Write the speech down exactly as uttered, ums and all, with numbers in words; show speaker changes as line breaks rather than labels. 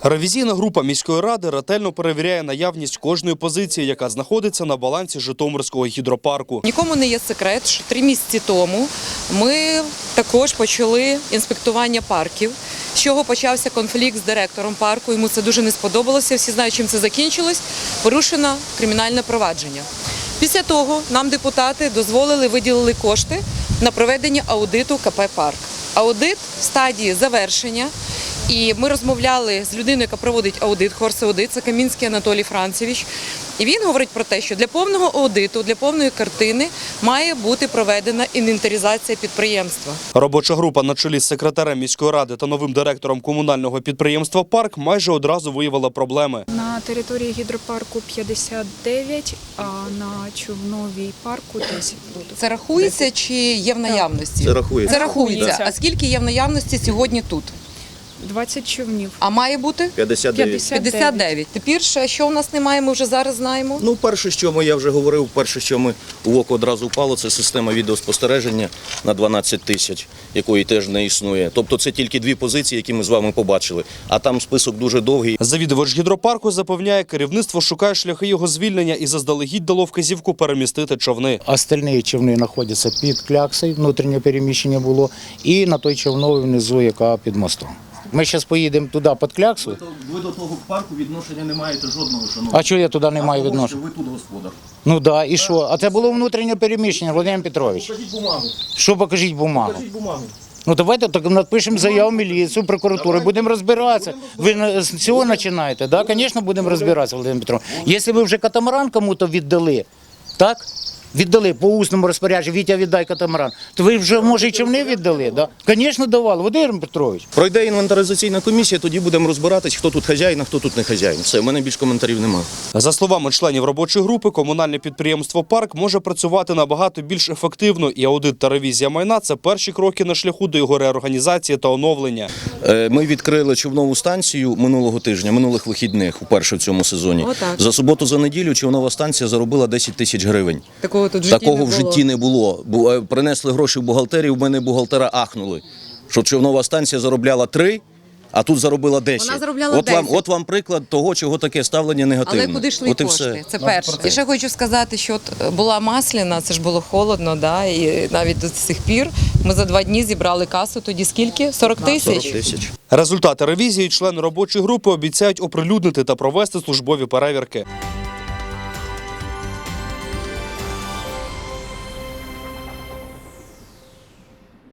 Ревізійна група міської ради ретельно перевіряє наявність кожної позиції, яка знаходиться на балансі Житомирського гідропарку.
Нікому не є секрет, що три місяці тому ми також почали інспектування парків, з чого почався конфлікт з директором парку. Йому це дуже не сподобалося, всі знають, чим це закінчилось. Порушено кримінальне провадження. Після того нам депутати дозволили, виділили кошти на проведення аудиту ка пе «Парк». Аудит в стадії завершення. І ми розмовляли з людиною, яка проводить аудит, хорс-аудит, це Камінський Анатолій Францевич. І він говорить про те, що для повного аудиту, для повної картини має бути проведена інвентаризація підприємства.
Робоча група на чолі з секретарем міської ради та новим директором комунального підприємства «Парк» майже одразу виявила проблеми.
На території гідропарку п'ятдесят дев'ять, а на Човновій парку десять.
Це рахується чи є в наявності?
Це рахується.
Це рахується.
Рахується.
А скільки є в наявності сьогодні тут?
двадцять човнів.
А має бути?
п'ятдесят дев'ять.
п'ятдесят дев'ять. Тепер, що в нас немає, ми вже зараз знаємо.
Ну, перше, що ми, я вже говорив, перше, що ми в око одразу впало, це система відеоспостереження на дванадцять тисяч, якої теж не існує. Тобто це тільки дві позиції, які ми з вами побачили, а там список дуже довгий.
Завідувач гідропарку запевняє, керівництво шукає шляхи його звільнення і заздалегідь дало вказівку перемістити човни.
Остальні човни знаходяться під кляксою, внутрішнє переміщення було, і на той човновий внизу, яка під мостом. Ми зараз поїдемо туди під кляксу.
Ви до того парку відношення не маєте жодного, шановного.
А чого я туди не маю відношення?
Ви тут господар.
Ну так, да, і що? А це було внутрішнє переміщення, Володимир Петрович.
Покажіть бумагу.
Що покажіть бумагу?
Покажіть бумагу.
Ну давайте так напишемо заяву в міліцію, прокуратуру, будемо розбиратися. Ви з цього починаєте, так? Да? Звісно, будемо розбиратися, Володимир Петрович. Якщо ви вже катамаран кому-то віддали, так? Віддали по усному розпорядженню, Вітя, віддай катамаран, то ви вже, може, і човни віддали, так? Да? Звісно, давали, Володимир Петрович.
Пройде інвентаризаційна комісія, тоді будемо розбиратись, хто тут хазяїн, а хто тут не хазяїн. Все, в мене більш коментарів немає.
За словами членів робочої групи, комунальне підприємство «Парк» може працювати набагато більш ефективно, і аудит та ревізія майна – це перші кроки на шляху до його реорганізації та оновлення.
Ми відкрили човнову станцію минулого тижня, минулих вихідних, вперше в цьому сезоні.
Отак.
За суботу, за неділю човнова станція заробила десять тисяч гривень.
Такого тут в житті
Такого
не
в
було.
житті не було. Бу- Принесли гроші в бухгалтерію, в мене бухгалтера ахнули, що човнова станція заробляла три, а тут заробила десять.
Вона заробляла
от вам,
десять.
от вам приклад того, чого таке ставлення негативне.
Але куди йшли
От і
кошти?
все.
Це перше. І ще хочу сказати, що от була Масляна, це ж було холодно, да? І навіть до цих пір ми за два дні зібрали касу, тоді скільки? сорок тисяч?
сорок тисяч.
Результати ревізії члени робочої групи обіцяють оприлюднити та провести службові перевірки.